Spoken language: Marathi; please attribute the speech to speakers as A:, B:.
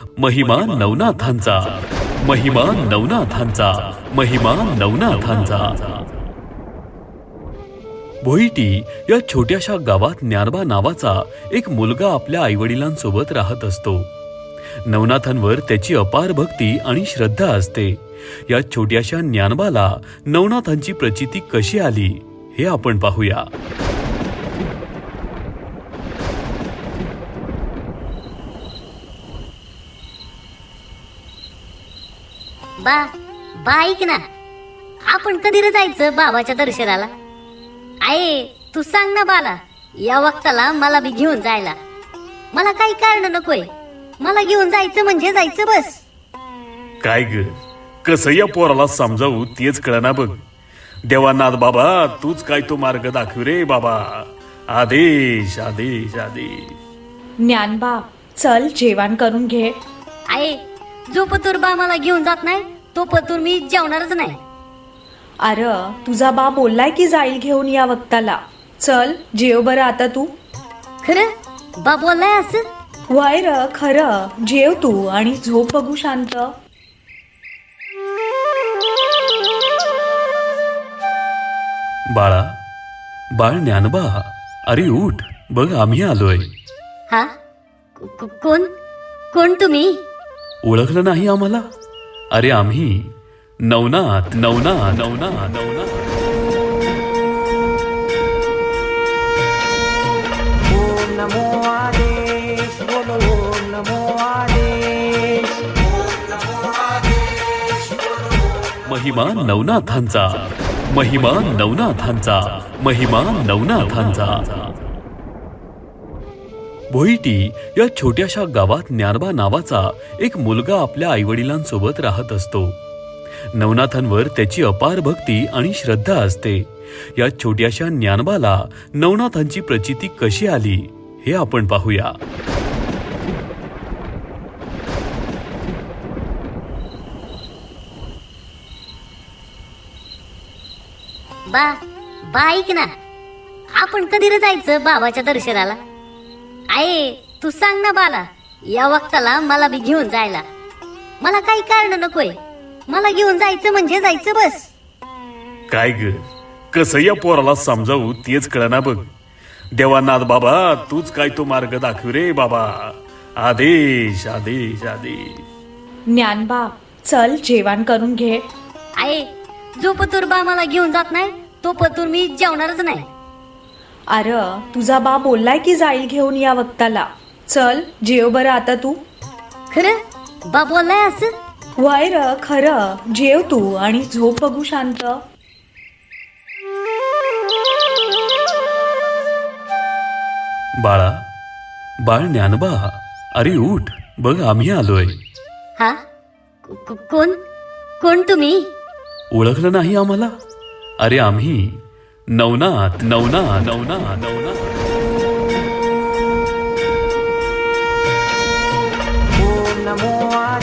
A: महिमा नवनाथांचा, महिमा नवनाथांचा, महिमा नवनाथांचा. भोईटी या छोट्याशा गावात ज्ञानबा नावाचा एक मुलगा आपल्या आईवडिलांसोबत राहत असतो. नवनाथांवर त्याची अपार भक्ती आणि श्रद्धा असते. या छोट्याशा ज्ञानबाला नवनाथांची प्रचिती कशी आली हे आपण पाहूया.
B: बा ऐक ना, आपण कधी रे जायचं बाबाच्या दर्शनाला? आहे तू सांग ना बाला, या वक्ताला मला बी घेऊन जायला. मला काही कारण नकोय, मला घेऊन जायचं म्हणजे जायचं बस.
A: काय ग, कसं या पोराला समजावू तेच कळना बघ. देवानाथ बाबा, तूच काय तो मार्ग दाखव रे बाबा. आदेश आदेश आदेश.
C: ज्ञानबा चल जेवण करून घे.
B: आहे जो पतूर बा मला घेऊन जात नाही तो पतूर मी जेवणारच नाही.
C: अरे तुझा बा बोललाय की जाईल घेऊन या वक्ताला. चल जेव बरं आता तू.
B: खरं बा बोललाय असं?
C: वय र खरं, जेव तू आणि झोप बघू शांत.
A: बाळा, बाळ ज्ञानबा, अरे उठ बघ, आम्ही आलोय.
B: हा कोण कोण तुम्ही?
A: ओळखलं नाही आम्हाला? अरे आम्ही नवनाथ नवनाथ नवनाथ नवनाथ.
D: ओम नमो आदेश, बोलो ओम नमो आदेश.
A: महिमा नवनाथांचा, महिमा नवनाथांचा, महिमा नवनाथांचा. भोईटी या छोट्याशा गावात ज्ञानबा नावाचा एक मुलगा आपल्या आईवडिलांसोबत राहत असतो. नवनाथांवर त्याची अपार भक्ती आणि श्रद्धा असते. या छोट्याशा ज्ञानबाला नवनाथांची प्रचिती कशी आली हे आपण पाहूया.
B: बा ऐक ना, आपण कधी रे जायचं बाबाच्या दर्शनाला? आहे तू सांग ना बाला, या वक्ताला मला बी घेऊन जायला. मला काही कारण नकोय, मला घेऊन जायचं म्हणजे जायचं बस.
A: काय ग, कसं या पोराला समजावू तेच कळना बघ. देवानाथ बाबा, तूच काय तो मार्ग दाखव रे बाबा. आदेश आदेश आदेश.
C: ज्ञानबा चल जेवण करून घे.
B: आहे जो पतूर बा मला घेऊन जात नाही तो पतूर मी जेवणारच नाही.
C: अरे तुझा बा बोललाय की जाईल घेऊन या वक्ताला. चल जेव बरं आता तू.
B: खरं बा बोललाय असं?
C: वय र खरं, जेव तू आणि झोप बघू शांत.
A: बाळा, बाळ ज्ञानबा, अरे उठ बघ, आम्ही आलोय.
B: हा कोण कोण तुम्ही?
A: ओळखलं नाही आम्हाला? अरे आम्ही नवनाथ नवनाथ नवनाथ नवनाथ.
D: ओम नमो आदेश.